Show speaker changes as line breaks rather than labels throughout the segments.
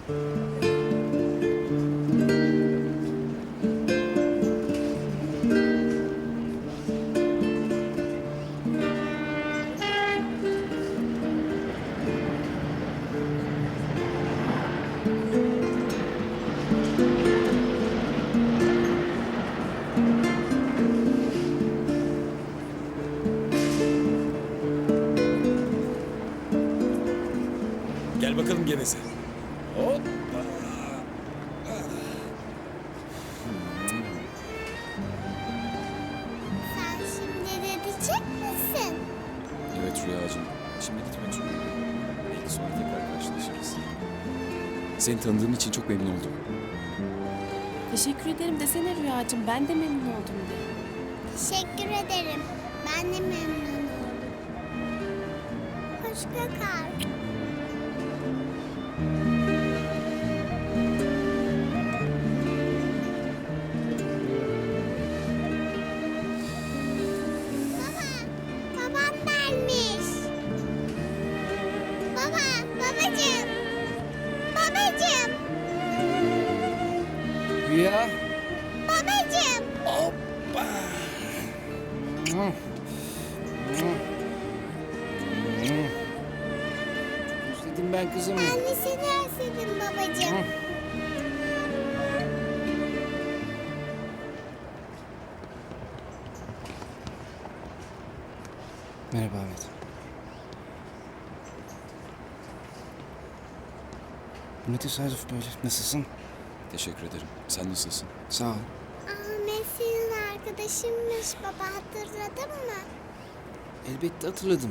Gel bakalım geveze. Hoppa.
Sen şimdi de diyecek misin?
Evet Rüyacığım. Şimdi gitmek zorundayım. Belki sonra tekrar karşılaşırız. Seni tanıdığım için çok memnun oldum.
Teşekkür ederim desene Rüyacığım. Ben de memnun oldum de.
Teşekkür ederim. Ben de memnun oldum. Hoşça kal. Baba, babam gelmiş. Baba, babacığım. Babacığım,
Rüya.
babacığım.
Hoppa.
Özledim ben kızımı.
Ben de seni özledim babacığım.
Merhaba Ahmet. Bu ne tesadüf böyle. Nasılsın?
Teşekkür ederim. Sen nasılsın?
Sağ ol.
Ahmet senin arkadaşınmış baba, hatırladın mı?
Elbette hatırladım.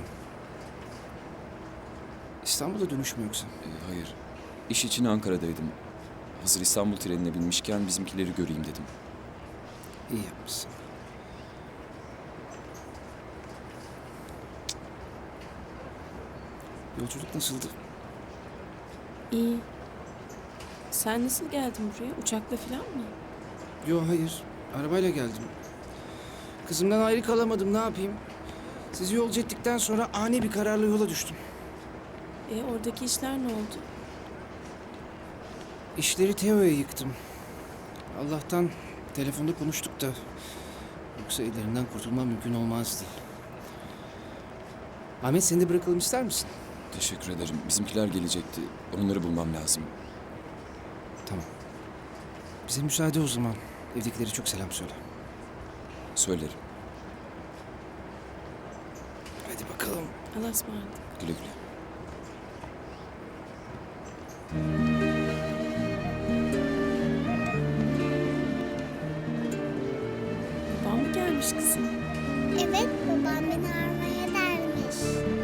İstanbul'a dönüş mü yoksa?
Hayır. İş için Ankara'daydım. Hazır İstanbul trenine binmişken bizimkileri göreyim dedim.
İyi yapmışsın. Yolculuk nasıldı?
İyi. Sen nasıl geldin buraya? Uçakla falan mı?
Yo hayır. Arabayla geldim. Kızımdan ayrı kalamadım, ne yapayım? Sizi yolcu ettikten sonra ani bir kararla yola düştüm.
Oradaki işler ne oldu?
İşleri Teo'ya yıktım. Allah'tan telefonda konuştuk da. Yoksa ellerinden kurtulmam mümkün olmazdı. Ahmet, seni de bırakalım ister misin?
Teşekkür ederim. Bizimkiler gelecekti. Onları bulmam lazım.
Tamam. Bize müsaade o zaman. Evdekilere çok selam söyle.
Söylerim.
Hadi bakalım.
Allah'a ısmarladık.
Güle güle.
Babam mı gelmiş kızım?
Evet, babam beni aramaya dermiş.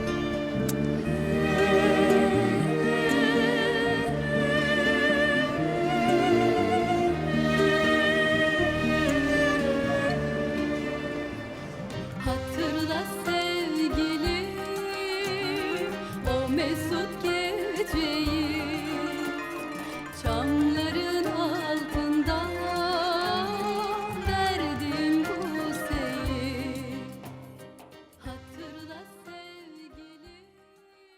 Hatırla sevgilim o mesut geceyi, çam